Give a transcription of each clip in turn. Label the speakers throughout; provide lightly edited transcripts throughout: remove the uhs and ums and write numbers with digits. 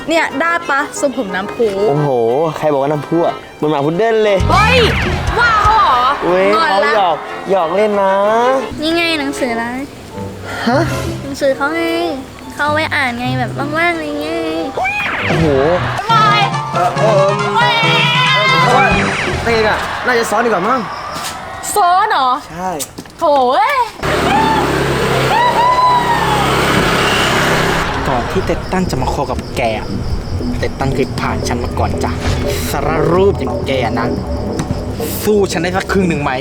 Speaker 1: เนี่ยได้ปะทรงผมน้ำพุ
Speaker 2: โอ้โหใครบอกว่าน้ำพุอ่ะมันหมาพุดเดิ้ลเลย
Speaker 1: เฮ้ยว่าเขาเหรอ
Speaker 2: เว้ยเขาหยอกเล่นนะ
Speaker 3: นี่ไงหนังสืออะไร
Speaker 2: ฮะ
Speaker 3: หนังสือเขาไงเขาไว้อ่านไงแบบว่างๆอะไรเงี้ย
Speaker 2: โอ้โหเต้นอ่ะน่าจะซ้อนดีกว่ามั้ง
Speaker 1: ซ้อนเหรอ
Speaker 2: ใช่
Speaker 1: โถ่เอ้ย
Speaker 4: ก่อนที่เต็ดตั้นจะมาคอกับแกเต็ดตั้นเคยผ่านฉันมาก่อนจ้ะสารรูปอย่างแกนะสู้ฉันได้สักครึ่งหนึ่งไหม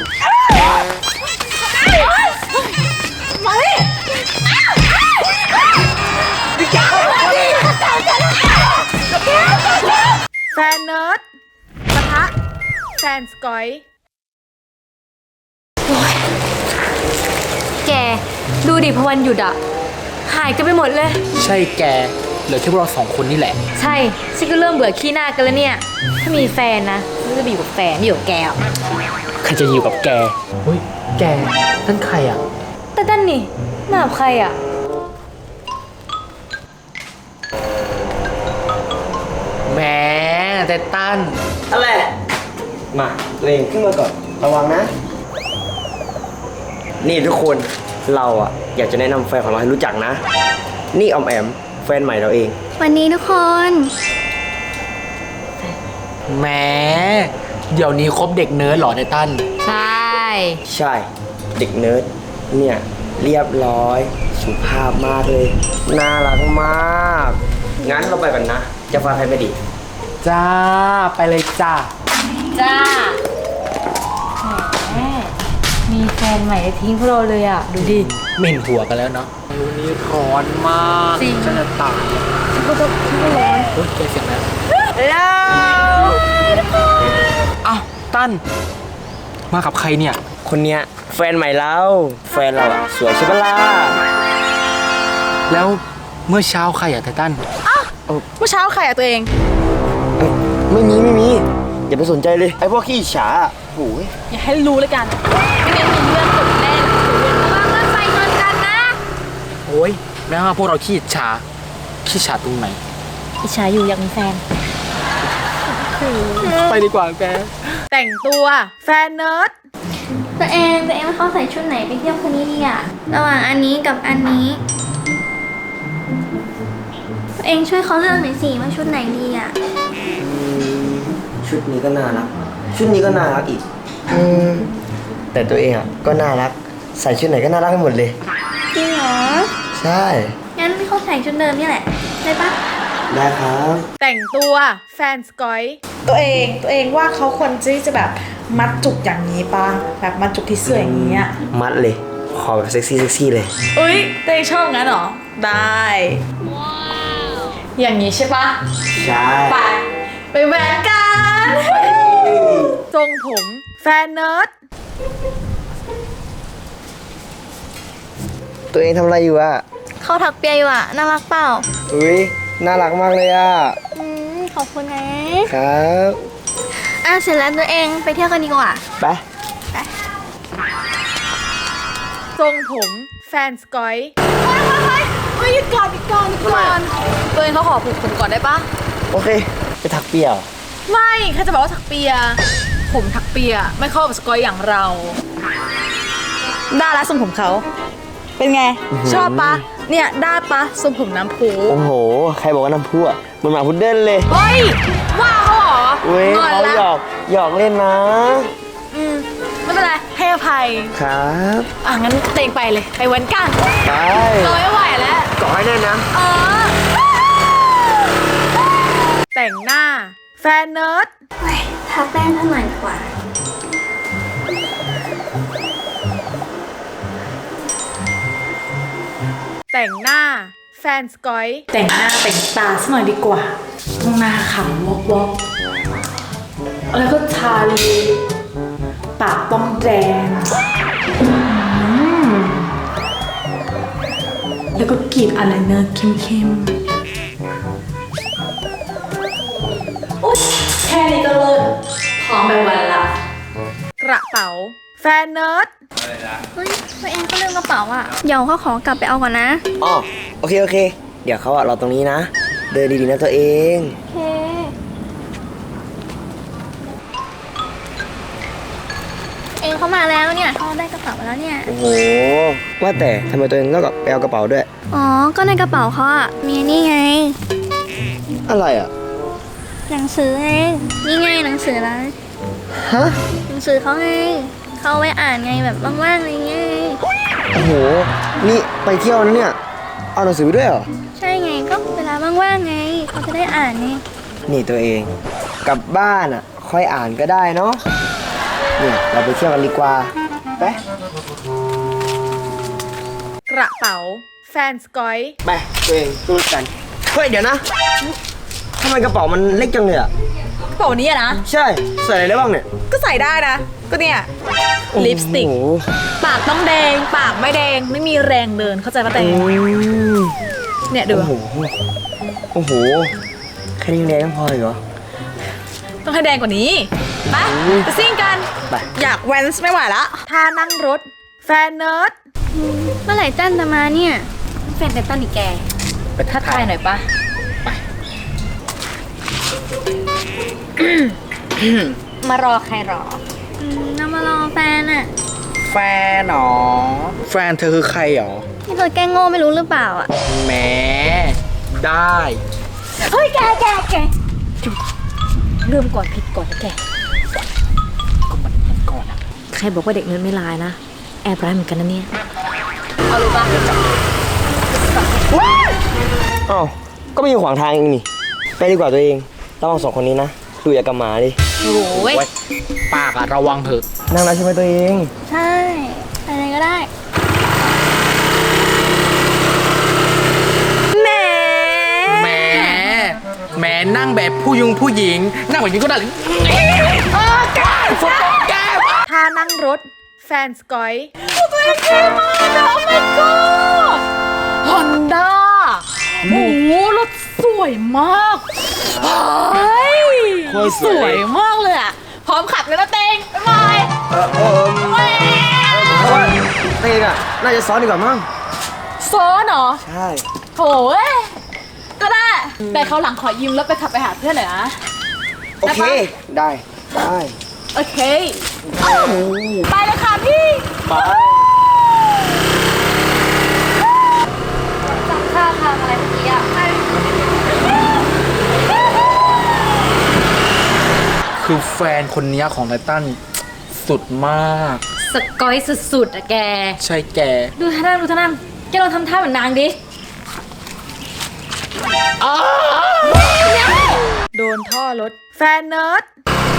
Speaker 1: แฟนเนิร์ดปะทะแฟนสกอยแกดูดิพอวันหยุดอะหายกันไปหมดเลย
Speaker 4: ใช่แกเหลือแค่พวกเราสองคนนี่แหละ
Speaker 1: ใช่ฉันก็เริ่มเบื่อขี้หน้ากันแล้วเนี่ย ถ้ามีแฟนนะฉันจะไปอยู่กับแฟนไม่อยู่กับแกอะ
Speaker 4: ใครจะอยู่กับแกเฮ้ยแกนั่นใครอ่ะ
Speaker 1: แต่ด้านนี่มากับใครอะ
Speaker 4: แหมเต็ดตั้น
Speaker 2: อะไรมาตัวเองขึ้นมาก่อนระวังนะ นี่ทุกคนเราอ่ะอยากจะแนะนำแฟนของเราให้รู้จักนะ นี่ออมแอมแฟนใหม่เราเอง
Speaker 3: วันนี้ทุกคน
Speaker 4: แหมเดี๋ยวนี้คบเด็กเนิร์ดเหรอเต็ดตั้น
Speaker 1: ใช่
Speaker 2: ใช่เด็กเนิร์ดเนี่ยเรียบร้อยสุภาพมากเลยน่ารักมากงั้นเราไปกันนะจะฟังใครไม่ดี
Speaker 4: จ้าไปเลยจ้า
Speaker 1: จ้าแหมมีแฟนใหม่ทิ้งพวกเราเลยอะดูดิ
Speaker 4: เหม็นหัวกันแล้วเนาะวันนี้ร้อนมาก
Speaker 1: จริง
Speaker 4: ฉันจะตาย
Speaker 1: ฉันก็ร้อน
Speaker 4: เฮ้ยแกเสียงแล้ว
Speaker 1: แล้ว
Speaker 4: อ้าวตั้นมากับใครเนี่ย
Speaker 2: คนเนี้ยแฟนใหม่เราแฟนเราอะสวยใช่ปะล่ะ
Speaker 4: แล้วเมื่อเช้าใครอะไททัน
Speaker 1: เมื่อเช้าใครอะตัวเอง
Speaker 2: เอ้ยไม่มีอย่าไปสนใจเลยไอ้พวกขี้อิจฉาอะโอ้ย
Speaker 1: อย่าให้รู้เลยกันไม่งั้นมีเรื่องเกิดแน่เลยระวังรถไฟชนกันนะ
Speaker 4: โอ้ยแม้ว่าพวกเราขี้อิจฉาตรงไหน
Speaker 1: อิจฉาอยู่อยากมีแฟน
Speaker 4: ไปดีกว่าแก
Speaker 1: แต่งตัวแฟนเนิร์ด
Speaker 3: ตัวเองว่าเขาใส่ชุดไหนไปเที่ยวคนนี้ดีอะระหว่างอันนี้กับอันนี้ตัวเองช่วยเขาเลือกหน่อยสิว่าชุดไหนดีอะ
Speaker 2: ชุดนี้ก็น่ารักชุดนี้ก็น่ารักอีกแต่ตัวเองอะก็น่ารักใส่ชุดไหนก็น่ารักไปหมดเลย
Speaker 3: จริงเหรอ
Speaker 2: ใช่
Speaker 3: งั้นเขาใส่ชุดเดิมนี่แหละได้ปะ
Speaker 2: ได้ครับ
Speaker 1: แต่งตัวแฟนสกอยตัวเองว่าเขาควรที่จะแบบมัดจุกอย่างนี้ป่ะแบบมัดจุกที่เสื้ออย่างนี้อ่ะ
Speaker 2: มัดเลยขอแบบเซ็กซี่เลย
Speaker 1: เอ้ยตัวเองชอบงั้นเหรอได้อย่างนี้ใช่ปะ
Speaker 2: ใช่
Speaker 1: ไปแหวกกันทรงผมแฟนเนิร์ด
Speaker 2: ตัวเองทำอะไรอยู่อะ
Speaker 3: เขาถักเปียอยู่อะน่ารักเปล่า
Speaker 2: อุ้ยน่ารักมากเลยอะ
Speaker 3: ขอบคุณนะครับ เสร็จแล้วตัวเองไปเที่ยวกันดีกว่า
Speaker 2: ไป
Speaker 1: ทรงผมแฟนสกอยเฮ้ยหยุดก่อนตัวเองเขาขอผูกผมก่อนได้ปะ
Speaker 2: โอเคไปถักเปียก
Speaker 1: ไม่เขาจะบอกว่าถักเปีย ผมถักเปียไม่เข้ากับสกอยอย่างเรา ได้แล้วทรงผมเขา เป็นไง ชอบปะเนี่ยได้ปะทรงผมน้ำพุ
Speaker 2: โอ้โหใครบอกว่าน้ำพุอ่ะมันหมาพุดเดิ้ลเลย
Speaker 1: เฮ้ย ว่าเขาเหรอ
Speaker 2: เว้ย
Speaker 1: งอน
Speaker 2: เขา
Speaker 1: ละ
Speaker 2: หยอกเล่นนะ
Speaker 1: ไม่เป็นไรให้อภัย
Speaker 2: ครับ
Speaker 1: งั้นเตงไปเลย ไปวันกัน
Speaker 2: ไป
Speaker 1: เราไม่ไหวแล้ว
Speaker 2: เกาะให้แน่นนะ
Speaker 1: แต่งหน้าแฟนเนิร์ด
Speaker 3: ทาแป้งเท่าไหร่ดีกว่า
Speaker 1: แต่งหน้าแฟนสกอยแต่งหน้าแต่งตาสักหน่อยดีกว่าต้องหน้าขำวอกแล้วก็ทาลิปปากต้องแดงแล้วก็กรีดอายไลเนอร์เข้มๆอุ๊ยแค่นี้ก็เลิศพร้อมไปวันละกระเป๋าแฟนเนิร์ด
Speaker 3: เฮ้ยตัวเองก็ลืมกระเป๋าอะเดี๋ยวเขาขอกลับไปเอาก่อนนะ
Speaker 2: อ๋อโอเค เดี๋ยวเขาอะรอตรงนี้นะเดินดีๆนะตัวเอง
Speaker 3: โอเคเองเขามาแล้วเนี่ยเขาได้กระเป๋ามาแล้วเนี่ย
Speaker 2: โอ้โห ว่าแต่ทำไมตัวเองต้องไปเอากระเป๋าด้วย
Speaker 3: อ๋อ ก็ในกระเป๋าเขาอะมีนี่ไง
Speaker 2: อะไรอ่ะ
Speaker 3: หนังสือไง นี่ไงหนังสืออะไร
Speaker 2: ฮะ
Speaker 3: หนังสือเขาไง เขาเอาไว้อ่านไงแบบว่างๆอะไรเงี้ย
Speaker 2: โอ้โห นี่ไปเที่ยวนะเนี่ย เอาหนังสือไปด้วยเหรอ
Speaker 3: ใช่ไงก็เวลาว่างๆไง เขาจะได้อ่านไง
Speaker 2: นี่ตัวเอง กลับบ้านอ่ะ ค่อยอ่านก็ได้เนาะ เนี่ยเราไปเที่ยวกันดีกว่า ไป
Speaker 1: กระเป๋า แฟนสกอย
Speaker 2: ไปตัวเองดูกัน เฮ้ยเดี๋ยวนะ ทำไมกระเป๋ามันเล็กจังเลยอ่ะ
Speaker 1: กระเป๋านี้อะนะ
Speaker 2: ใช่ ใส่อะไรได้บ้างเนี่ย
Speaker 1: ก็ใส่ได้นะ ก็เนี่ย ลิปสติก
Speaker 2: โอ้โห
Speaker 1: ปากต้องแดง ปากไม่แดง ไม่มีแรงเดิน เข้าใจปะแตง เนี่ยดู
Speaker 2: โอ้โห โอ้โห แค่นี้ยังแดงไม่พออีกเหรอ
Speaker 1: ต้องให้แดงกว่านี้ ไปไปซิ่งกัน
Speaker 2: ไป
Speaker 1: อยากแวนส์ไม่ไหวละท่านั่งรถ แฟนเนิร์ด
Speaker 3: เมื่อไหร่จันจะมาเนี่ย
Speaker 1: แฟนเดตันอีกแก ไปทักทายหน่อยปะ มารอใครรอ
Speaker 3: เรามารอแฟนอะ
Speaker 4: แฟนหรอ แฟนเธอคือใครหรอ
Speaker 3: นี่เธอแกล้งโง่ไม่รู้หรือเปล่าอะ
Speaker 4: แหมได้
Speaker 1: เฮ้ยแกเริ่มก่อนผิดก่อนนะแก
Speaker 4: ก็มันก่อนอะ
Speaker 1: ใครบอกว่าเด็กเนิร์ดไม่ร้ายนะ แอบร้ายเหมือนกันนะเนี่ย เอารู้ปะ
Speaker 2: อ้าวก็ไม่อยู่ขวางทางเองนี่ ไปดีกว่าตัวเองระวังสองคนนี้นะ ดูอย่ากับหมาดิ
Speaker 1: โอ้ย
Speaker 4: โอ๊ยปากอะระวังเถอะ
Speaker 2: นั่งแล้วใช่ไหมตัวเอง
Speaker 3: ใช่อะไรก็ได้
Speaker 1: แหม
Speaker 4: แหมแหมนั่งแบบผู้หญิง นั่งแบบนี้ก็ได้เลยแก้ม
Speaker 1: ท่านั่งรถ แฟนสกอยตัวเองเท่มากนะ oh my god ฮอนด้าโอ้โหรถสวยมากเฮ้ย
Speaker 2: โคตรส
Speaker 1: ส
Speaker 2: วย
Speaker 1: วยมากเลยอ่ะ พร้อมขับเลยนะเตงบ๊ายบาย
Speaker 2: เพราะว่าตัวเองอ่ะ น่าจะซ้อนดีกว่ามั้ง
Speaker 1: ซ้อนเหรอ
Speaker 2: ใช่
Speaker 1: โถเอ้ยก็ได้ แต่เขาวหลังขอยืมรถไปขับไปหาเพื่อนหน่อยนะ
Speaker 2: โอเค ได้ ได้
Speaker 1: โอเค ไปเลยค่ะพี่
Speaker 2: ไป
Speaker 3: จำท่าทางอะไรเมื่อกี้อะ
Speaker 4: คือแฟนคนนี้ของไททันสุดมาก
Speaker 1: สกอยสุดๆอะแก
Speaker 4: ใช่แก
Speaker 1: ดูท่านั่งแกลองทำท่าเหมือนนางดิ โดนท่อรถ แฟนเนิร์ด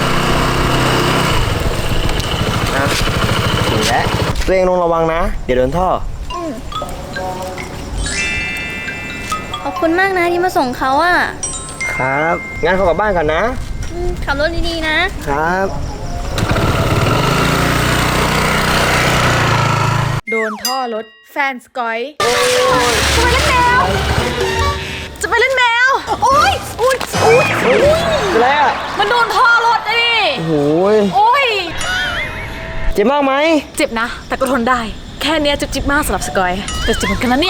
Speaker 2: นะถึงแล้ว ตัวเองลงระวังนะ เดี๋ยวโดนท่อ
Speaker 3: ขอบคุณมากนะที่มาส่งเขาอะ
Speaker 2: ครับ งั้นเขากลับบ้านกันนะ
Speaker 3: ขับรถดีๆนะ
Speaker 2: ครับ
Speaker 1: โดนท่อรถ แฟนสกอย จะไปเล่นแมว โอ๊ยอุ๊ย
Speaker 2: เป็นไรอ่ะ
Speaker 1: มันโดนท่อรถดิ
Speaker 2: โอ้โหย
Speaker 1: โอ๊ย
Speaker 2: เจ็บมากไหม
Speaker 1: เจ็บนะ แต่ก็ทนได้ แค่เนี้ยจิบๆมากสำหรับสกอย แต่เจ็บเหมือนกันนะเนี่ย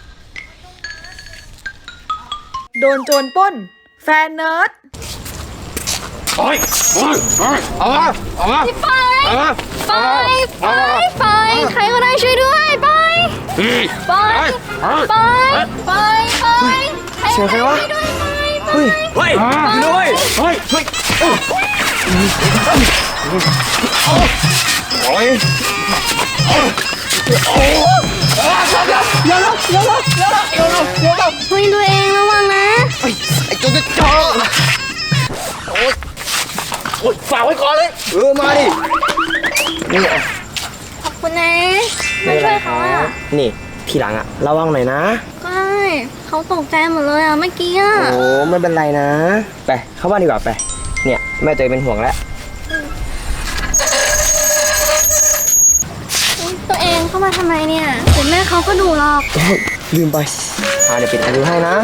Speaker 1: โดนโจรปล้น แฟนเนิร์ด
Speaker 4: โอ๊ยเอามาเอามา
Speaker 3: ไป
Speaker 4: เอามา
Speaker 3: ไป ไป ใครก็ได้ช่วยด้วย ไป ไป ไป ไป ไป
Speaker 2: เสียงใครวะ เฮ้ย
Speaker 4: เฮ้ยด้วยเฮ้ยเฮ้ย
Speaker 2: โอ้ย
Speaker 3: เฮ้ยตัวเองระวังนะ
Speaker 2: ไอ้โจรจะจ่อ
Speaker 4: โอ๊ยฝากไว้ก่อนเลย
Speaker 2: มาดิ นี่อ่ะ
Speaker 3: ขอบคุณนะมาช่วยเขาอะ
Speaker 2: นี่ ทีหลังอ่ะ ระวังหน่อยนะ
Speaker 3: ใช่เขาตกใจหมดเลยอะเมื่อกี้อะ
Speaker 2: โอ้ไม่เป็นไรนะ ไป เข้าบ้านดีกว่าไป เนี่ย แม่ตัวเองเป็นห่วงแล้ว
Speaker 3: ตัวเองเข้ามาทำไมเนี่ยเดี๋ยวแม่เขาก็ดูหรอก
Speaker 2: โอ้ยลืมไปเดี๋ยวปิดประตูให้นะ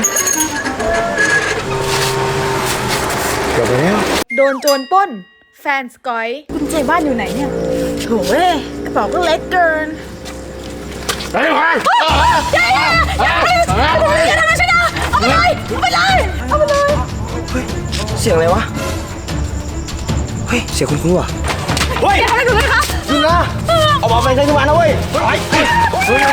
Speaker 2: เดี๋ยวไปแล้ว
Speaker 1: โดนโจรปล้น แฟนสกอยกุญแจบ้านอยู่ไหนเนี่ยโถเอ้ยกระเป๋าก็เล็กเกิน
Speaker 4: ไปเลย
Speaker 1: อย่าทำอะไรฉันนะเอาไปเลยเอาไปเลยเอาไปเลย
Speaker 2: เฮ้ย เสียงอะไรวะ เฮ้ย เสียงคุ้นๆว่ะ เฮ้ย
Speaker 1: อย่าทำอะไรหนูเลยค่ะ
Speaker 2: จริงนะเอามาไปใช้ทุกวันนะเว้ยไปเฮ้ยเฮ้ย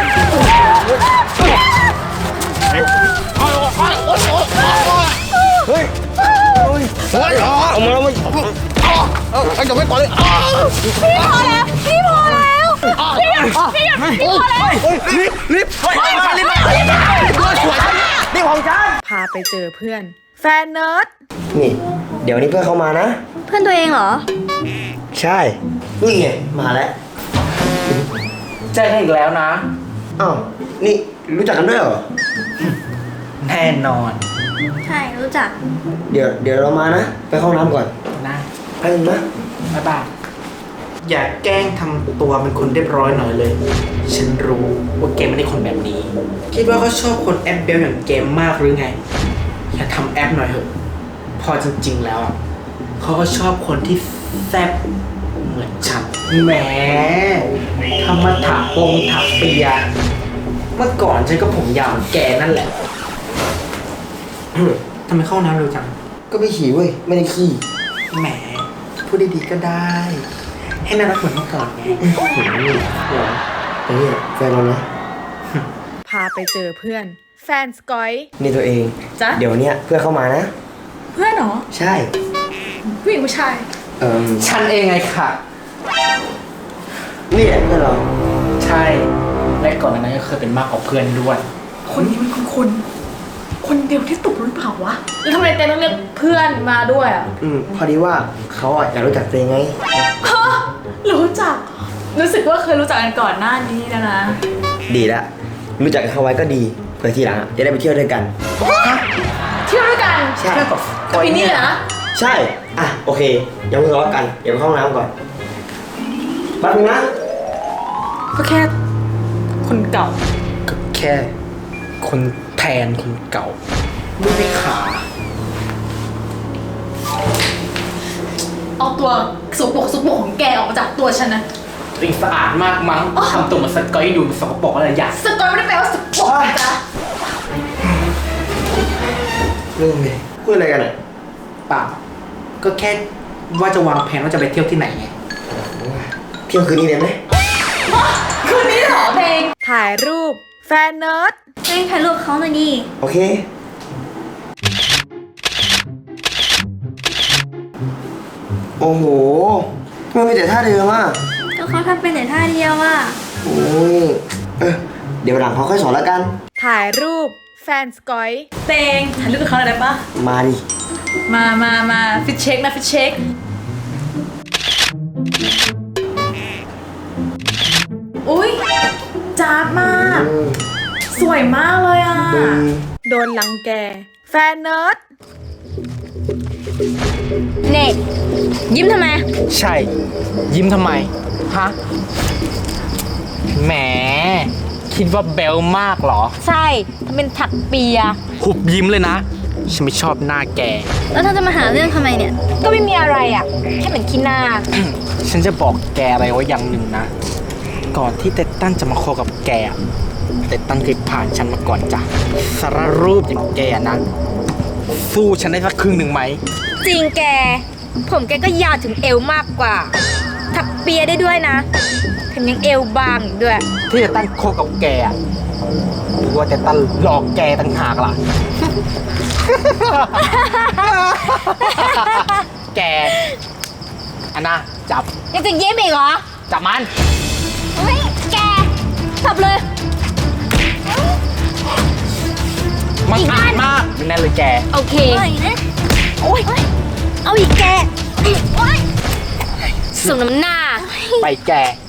Speaker 2: เฮ้ยเอามาแล้วเว้ยไอ้จะไม่ต่อเลย
Speaker 1: พี่พอแล้วพี่พอแล้วพี่หยุดพี่พอแล้ว
Speaker 2: รีบไปรีบไปนี่ของฉัน
Speaker 1: พาไปเจอเพื่อน แฟนเนิร์ด
Speaker 2: นี่ เดี๋ยวนี้เพื่อนเข้ามานะ
Speaker 3: เพื่อนตัวเองเหรอ
Speaker 2: ใช่ นี่ไง มาแล้ว
Speaker 4: เจอกันอีกแล้วนะ
Speaker 2: อ้าว นี่รู้จักกันด้วยเหรอ
Speaker 4: แน่นอน
Speaker 3: ใช่รู้จัก
Speaker 2: เดี๋ยวเรามานะ ไปเข้าห้องน้ำก่อน
Speaker 4: นะ
Speaker 2: ไปกันนะ
Speaker 4: บ๊ายบาย อย่าแกล้งทำตัวเป็นคนเรียบร้อยหน่อยเลย ฉันรู้ว่าเกมไม่ได้คนแบบนี้ คิดว่าเขาชอบคนแอปเบลอย่างเกมมากหรือไง อย่าทำแอปหน่อยเถอะ พอจริงๆแล้วอะเขาก็ชอบคนที่แซ่บเหมือนฉัน แหมทำมาถักเปีย เมื่อก่อนฉันก็ผมยาวเหมือนแกนั่นแหละ ทำไมเข้าน้ำเร็วจัง
Speaker 2: ก็ไปขี่เว้ย ไม่ได้ขี่
Speaker 4: แหม พูดดีๆก็ได้ ให้น่ารักเหมือนเมื่อก่อนไง
Speaker 2: แต่เนี่ยแฟนเรานะ
Speaker 1: พาไปเจอเพื่อน แฟนสกอย
Speaker 2: นี่ตัวเอง
Speaker 1: จ๊ะ
Speaker 2: เดี๋ยวเนี้ยเพื่อนเข้ามานะ
Speaker 1: เพื่อนเหรอ
Speaker 2: ใช่
Speaker 1: ผู้หญิงผู้ชาย
Speaker 4: ฉันเองไงค่ะ
Speaker 2: นี่แหละเพื่อนเรา
Speaker 4: ใช่ และก่อนหน้านั้นก็เคยเป็นมากกว่าเพื่อนด้วย
Speaker 1: คนนี้มันคนเดียวที่ตกหรือเปล่าวะแล้วทำไมเต้ต้องเรียกเพื่อนมาด้วยอ่ะ
Speaker 2: พอดีว่าเขาอ่ะอยากรู้จักตัวเองไง
Speaker 1: ฮะรู้จัก รู้สึกว่าเคยรู้จักกันก่อนหน้านี้นะ
Speaker 2: ดีละ รู้จักเขาไว้ก็ดี เผื่อทีหลังอะจะได้ไปเที่ยวด้วยกัน
Speaker 1: เที่ยวด้วยกัน
Speaker 2: ใช่
Speaker 1: กับพี่นี่นะ
Speaker 2: ใช่ อ่ะ โอเคอย่าเพิ่งทะเลาะกัน เดี๋ยวไปเข้าห้องน้ำก่อนแป๊บนึงนะ
Speaker 1: ก็แค่คนเก่า
Speaker 4: ก็แค่คนแทนคนเก่าไม่ได้ขา
Speaker 1: เอาตัวสุกปรกของแกออกมาจากตัวฉันนะ
Speaker 4: ตัวเองสะอาดมากมั้งทำตัวเหมือนสกอยดูสกปรกอะไรอย่าง
Speaker 1: สกอยไม่ได้แปลว่าสุกปรกนะจ๊ะ
Speaker 2: เรื่องเลยพูดอะไรกันอ่ะ
Speaker 4: เปล่า ก็แค่ว่าจะวางแผนว่าจะไปเที่ยวที่ไหนไง
Speaker 2: เที่ยวคืนนี้ได้ไหม
Speaker 1: คืนนี้เหรอเพลงถ่ายรูป แฟนเนิร์ด
Speaker 3: เฮ้ยถ่ายรูปเขาหน่อยดิ
Speaker 2: โอเค โอ้โหทำไมมีแต่ท่าเดิมอ่ะ
Speaker 3: ก็เขาทำเป็นแต่ท่าเดียวอ่ะ
Speaker 2: โอ้ยเดี๋ยวหลังเขาค่อยสอนแล้วกัน
Speaker 1: ถ่ายรูป แฟนสกอยเตงถ่ายรูปกับเขาหน่อยได้ปะ
Speaker 2: มาดิ
Speaker 1: มาฟิตเช็คนะฟิตเช็ค อุ้ยจ้าบมาก สวยมากเลยอ่ะ โดนรังแก แฟนเนิร์ด
Speaker 3: เน็กยิ้มทำไม
Speaker 4: ใช่ ยิ้มทำไม ฮะ แหม คิดว่าเบลมากเหรอ
Speaker 3: ใช่ทำเป็นถักเปีย
Speaker 4: หุบยิ้มเลยนะ ฉันไม่ชอบหน้าแก
Speaker 3: แล้วเธอจะมาหาเรื่องทำไมเนี่ย ก็ไม่มีอะไรอ่ะ แค่เหมือนขี้หน้า
Speaker 4: ฉันจะบอกแกอะไรไว้อย่างหนึ่งนะ ก่อนที่เตตันจะมาคบกับแกอะเตตันเคยผ่านฉันมาก่อนจ้ะสารรูปอย่างแกนะสู้ฉันได้สักครึ่งหนึ่งไหม
Speaker 3: จริงแก ผมแกก็ยาวถึงเอวมากกว่า ถักเปียได้ด้วยนะแถมยังเอวบางอีกด้วย
Speaker 4: ที่เตตันคบกับแกอะหรือว่าเตตันหลอกแกต่างหากล่ะ แกอันน่ะจับ
Speaker 3: ยังจะเย็บอีกเหรอ
Speaker 4: จับมัน
Speaker 3: เฮ้ย แกจับเลย
Speaker 4: มัน
Speaker 3: อีก
Speaker 4: อา
Speaker 3: อั
Speaker 4: ด
Speaker 3: น
Speaker 4: มากแน่เลยแก
Speaker 3: โอเคโอ้ยเอาอีกแกโอ๊ยสมน้ำหน้า
Speaker 4: ไปแก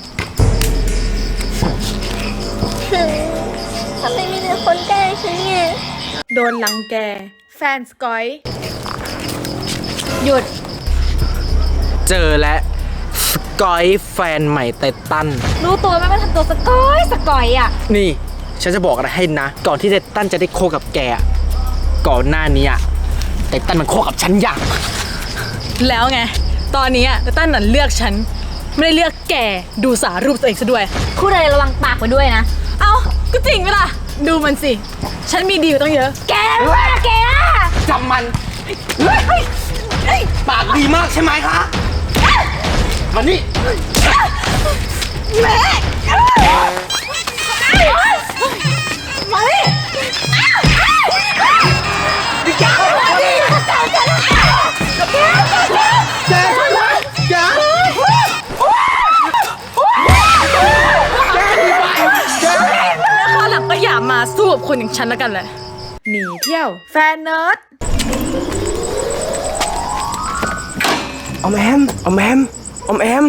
Speaker 3: ทำไมมีแต่คนแกล้งฉันเนี่ย
Speaker 1: โดนรังแก แฟนสกอย
Speaker 3: หยุด
Speaker 4: เจอและสกอยแฟนใหม่เตตัน
Speaker 3: รู้ตัวไหมว่าทำตัวสกอยอ่ะ
Speaker 4: นี่ ฉันจะบอกอะไรให้นะ ก่อนที่เตตันจะได้โคกับแกอะก่อนหน้านี้อะเตตันมันโคกับฉันอย่าง
Speaker 1: แล้วไง ตอนนี้เต้นนั่นเลือกฉัน ไม่ได้เลือกแก ดูสารูปตัวเองซะด้วย
Speaker 3: พูดอะไรระวังปากไว้ด้วยนะ
Speaker 1: เอ้า ก็จริงไหมล่ะ ดูมันสิฉันมีดีอยู่ตั้งเยอะ
Speaker 3: แกว่าแกอะ
Speaker 4: จำมันปากดีมากใช่ไหมคะมานี่
Speaker 3: แม่มาดิ
Speaker 4: นี่แกมาดิแกช่วยไว้แก
Speaker 1: แล้วคราวหลังก็อย่ามาสู้กับคนอย่างฉันแล้วกันเลยหนีเที่ยว แฟนเนิร์ด
Speaker 2: ออมแอมออมแอมออมแอม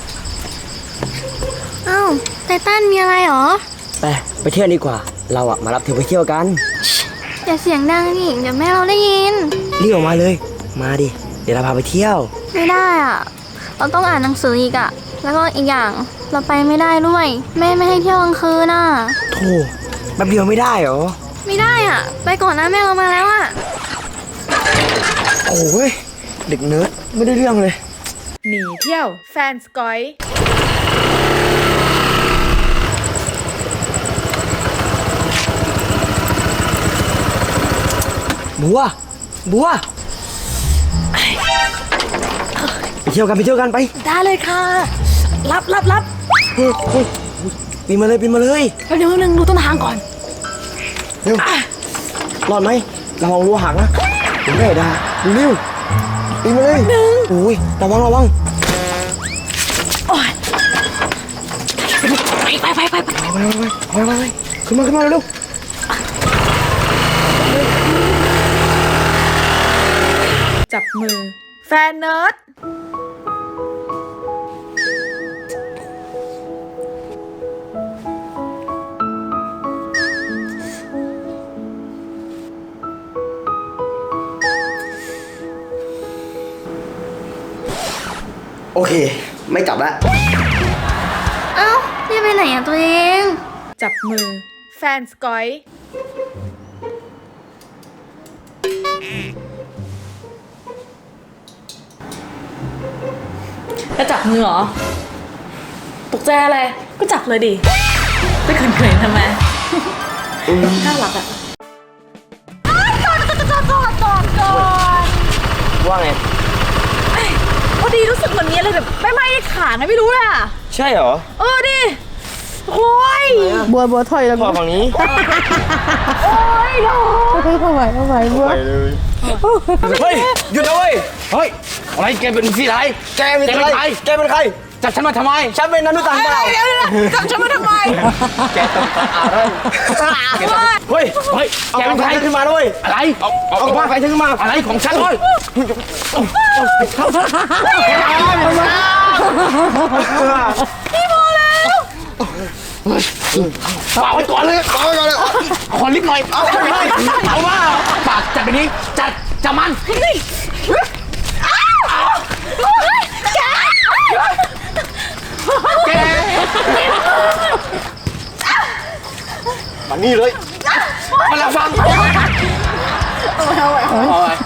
Speaker 5: อ้าวไททันมีอะไรหรอ
Speaker 2: ไปเที่ยวดีกว่า เราอะมารับเธอไปเที่ยวกัน
Speaker 5: อย่าเสียงดังนี่เดี๋ยวแม่เราได้ยิน
Speaker 2: รีบออกมาเลย มาดิ เดี๋ยวเราพาไปเที่ยว
Speaker 5: ไม่ได้อ่ะ เราต้องอ่านหนังสืออีกอ่ะ แล้วก็อีกอย่างเราไปไม่ได้ด้วย แม่ไม่ให้เที่ยวกลางคืนน่ะ
Speaker 2: โธ่แป๊บเดียวไม่ได้เหรอ
Speaker 5: ไม่ได้อ่ะ ไปก่อนนะแม่เรามาแล้วอ่ะ
Speaker 2: โอ้ยเด็กเนิร์ดไม่ได้เรื่องเลย
Speaker 1: หนีเที่ยว แฟนสกอย
Speaker 2: บัว บัว ไปเที่ยวกันไปเที่ยวกันไป
Speaker 1: ได้เลยค่ะ รับ
Speaker 2: เฮ้ยเฮ้ยปีนมาเลยปีนมาเลย
Speaker 1: แล้วเดี๋ยวนึงดูต้นทางก่อน
Speaker 2: เร็วรอดไหมระวังรั้วหักนะผมไม่ได้เร็วปีนมาเลยโอ้ยระวังระวัง
Speaker 1: ไป
Speaker 2: ไปขึ้นมาขึ้นมาเร็ว
Speaker 1: จับมือ แฟนเนิร์ด
Speaker 2: โอเค ไม่กลับละ
Speaker 5: เอ้าพี่ไปไหนอ่ะตัวเอง
Speaker 1: จับมือ แฟนสกอย จะจับมือเหรอ ตกใจอะไร ก็จับเลยดิไม่เขินๆทำไม น่ารักอะ
Speaker 2: ว่าไง
Speaker 1: พอดีรู้สึกเหมือนมีอะไรแบบไม่ขาไงไม่รู้เลยอะ
Speaker 2: ใช่เหรอ
Speaker 1: เออดิโอ้ย
Speaker 6: บัวถอยแล้ว
Speaker 2: พ่อฝั่งนี้
Speaker 1: โอ้ยโ
Speaker 6: เข้าไปบัว
Speaker 2: เฮ้ยหยุดนะเว้ยเฮ้ยอะไรแกเป็นที่ไรแกเป็นใครแกเป็นใครจับฉันมาทำไมฉันเป็นมนุษย์ต่างดาว
Speaker 1: จับฉันมาทำไม
Speaker 2: แกต้องเฮ้ยแกเป็นใครขึ้นมาด้วยอะไรเอากระไฟขึ้นมาอะไรของฉันเลยเอาไว้ก่อนเลยเอาไว้ก่อนเลยขอลิฟต์หน่อยเอาว่าปากจับไปนี้จับมันแกมานี่เลยมาละฟัง